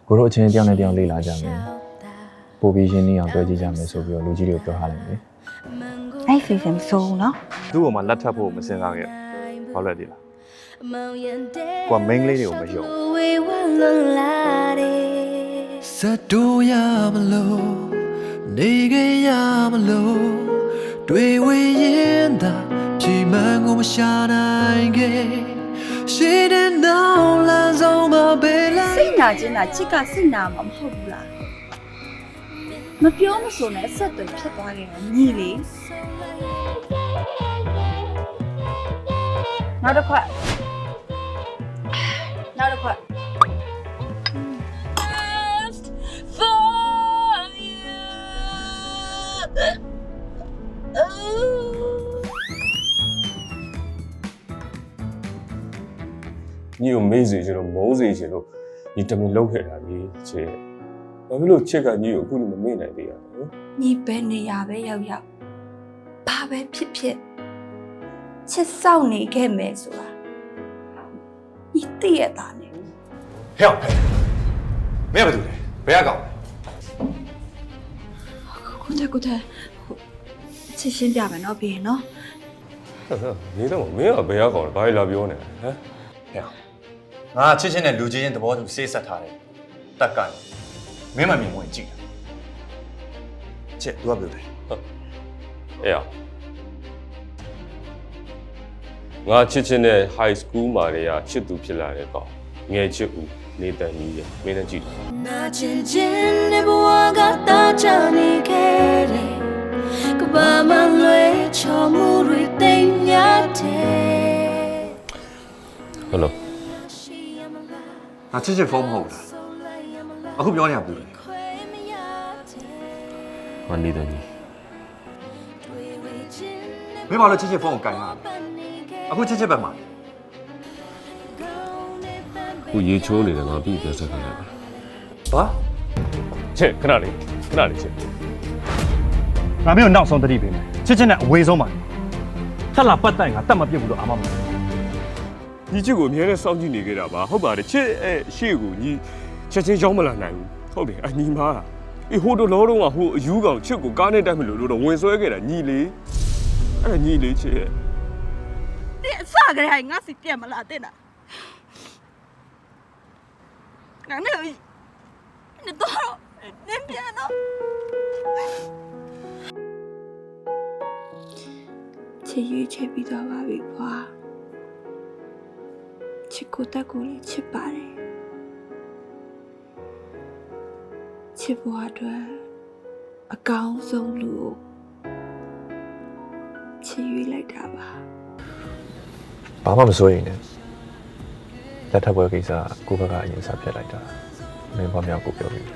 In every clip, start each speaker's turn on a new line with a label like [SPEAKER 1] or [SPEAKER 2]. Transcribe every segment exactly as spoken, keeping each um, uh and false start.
[SPEAKER 1] ကိုတို့အချင်းတယောက်နဲ့တယောက်လေးလာကြမယ်ပို့ပြီးရှင်းနေအောင်တွေ့ကြည့်ကြမယ်ဆိုပြီးတော့လူကြီးတွေကိုပြောထားလိုက်တယ်
[SPEAKER 2] အဲ့ဖေဖေမစိုးဘူးနော်
[SPEAKER 3] သူ့ကိုမှလက်ထပ်ဖို့မစင်စားခဲ့ဘာလို့လဲဒီလားကိုကမိန်းကလေးတွေကိုမယုံ
[SPEAKER 4] စတူရမလို့နေခဲ့ရမလို့တွေ့ဝရင်သာပြေမန်းကိုမရှာနိုင်ခဲ့ရှိတဲ့နောက်လမ်းဆုံးမှာပဲလား
[SPEAKER 2] စိတ်နာချင်းတာချစ်ကစိတ်နာမှာမဟုတ်ဘူးလားမပြောမဆိုနဲ့ဆက်သွယ်ဖြစ်သွားခဲ့တယ်ညီလေးနောက်တစ်ခွက်နောက်တစ်ခွက်
[SPEAKER 5] ညီကိုမေးစီချင်လို့မုန်းစီချင်လို့ညီတမင်လောက်ခဲ့တာလေချစ်ဘာဖြစ်လို့ချစ်ကညီကိုအခုလိုမမေ့နိုင်သေးရလဲ
[SPEAKER 2] ညီပဲနေရပဲရောက်ရောက်ဘာပဲဖြစ်ဖြစ်ချစ်စောင့်နေခဲ့မယ်ဆိုတာညီသိရတာနဲ့
[SPEAKER 3] ဟဲ့ဟဲ့မင်းကဘာလုပ်လဲဘယ်ကကောင်
[SPEAKER 2] ကိုတဲ့ကိုတဲ့ချစ်ရှင်းပြမယ်နော်ပြီးရင်နော်
[SPEAKER 5] နေတော့မင်းကဘယ်ရောက်ကောင်းလဲဘာလဲလာပြောနေလဲဟမ်
[SPEAKER 3] ဟဲ့ငါချစ်ချင်းနဲ့လူချင်းချင်းသဘောတူစေးဆက်ထားတယ်တက်ကန်မင်းမမြင်ဝင်ကြည့်ချစ်သူကဘယ်လိုလဲ
[SPEAKER 5] အေးရငါချစ်ချင်းနဲ့ high school မှာတည်းကချစ်သူဖြစ်လာတဲ့ကောင်ငယ်ချစ်ဦးနေတန်ကြီးရမင်းနဲ့ကြည့်
[SPEAKER 4] နာချင်ချင်းနဲ့ဘဝကတာချနေခဲ့တယ်ကဘာမလွဲချော်မှုတွေတိမ်ညတဲ့
[SPEAKER 5] ဟယ်လို
[SPEAKER 3] ငါချစ်ချင်းဖုန်းမဟုတ်လားအခုပြောနေရဘူးလေ
[SPEAKER 5] ငါနေတန်ကြီး
[SPEAKER 3] မင်းဘာလို့ချစ်ချင်းဖုန်းကိုကင်ရလဲအခုချစ်ချစ်ပဲမှာ
[SPEAKER 5] ခုရေချိုးနေတယ်ငါပြီးပြောဆက်ခိုင်းလိုက်ပါ
[SPEAKER 3] ဘာ
[SPEAKER 5] ချစ်ခဏလေးခဏလေးချစ်
[SPEAKER 6] ငါမင်းကိုနောက်ဆုံးတတိပေးမယ်ချစ်ချင်းနဲ့အဝေးဆုံးပါထက်လာပတ်တိုင်ငါတတ်မပြစ်ဘူးလို့အာမမလို့
[SPEAKER 5] ညီချစ်ကိုအများနဲ့စောင့်ကြည့်နေကြတာပါဟုတ်ပါတယ်ချစ်အဲရှေ့ကိုညီချက်ချင်းရောက်မလာနိုင်ဘူးဟုတ်တယ်အညီမားအေးဟိုတို့လောတော့ကဟိုအယူကောင်ချစ်ကိုကားနဲ့တိုက်မလို့လို့တော့ဝင်ဆွဲခဲ့တာညီလေးအဲ့ဒါညီလေးချစ်ရဲ့
[SPEAKER 2] 你啥个还我是点么啦的啦？俺那你多少？你别了。ချစ်ရွေးချယ်ပြီးတော့ပါပြီကွာချစ်ကိုတက်ကိုလည်းချစ်ပါတယ်ချစ်ဘွားအတွက်အကောင်းဆုံးလူကိုချစ်ရွေးလိုက်တာပါ
[SPEAKER 1] ဘာမှမစိုးရင်လည်းလက်ထပ်ပွဲကိစ္စကိုဘက်ကအရင်စားပြတ်လိုက်တာမင်းဘာမြောက်ကိုပြောပြီး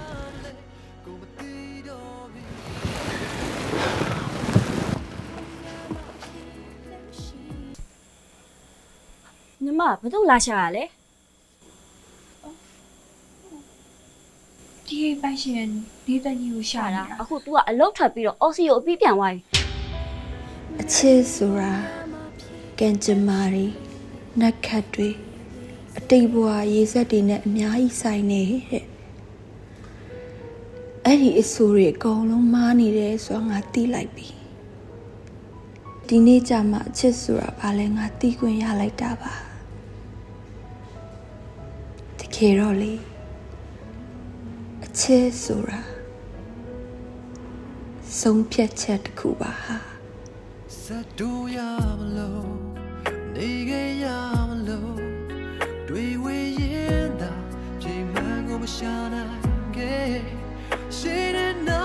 [SPEAKER 7] ညီမဘယ်သူလာရှာရလဲ
[SPEAKER 2] ဒီပိုင်ရှင်ဒီတကြီးကိုရှာတာ
[SPEAKER 7] အခု तू ကအလုတ်ထွက်ပြီးတော့အော်စီကိုအပြီးပြန်သွားပြီ
[SPEAKER 2] အချစ်ဆိုတာကံကြမ္မာတွေနတ်ခတ်တွေအတိတ်ဘဝရေစက်တွေနဲ့အများကြီးဆိုင်နေတဲ့အဲ့ဒီအဆိုးတွေအကုန်လုံးမားနေတယ်ဆိုတော့ငါသိလိုက်ပြီဒီနေ့ကျမှအချစ်ဆိုတာဘာလဲငါသိခွင့်ရလိုက်တာပါတကယ်တော့လေအချစ်ဆိုတာဆုံးဖြတ်ချက်တစ်ခုပါဟာ
[SPEAKER 4] စတူရမလို့နေခဲ့ရမလို့တွေ့ဝရင်သာပြေမန်းကိုမရှာနိုင်ခဲ့ရှိတဲ့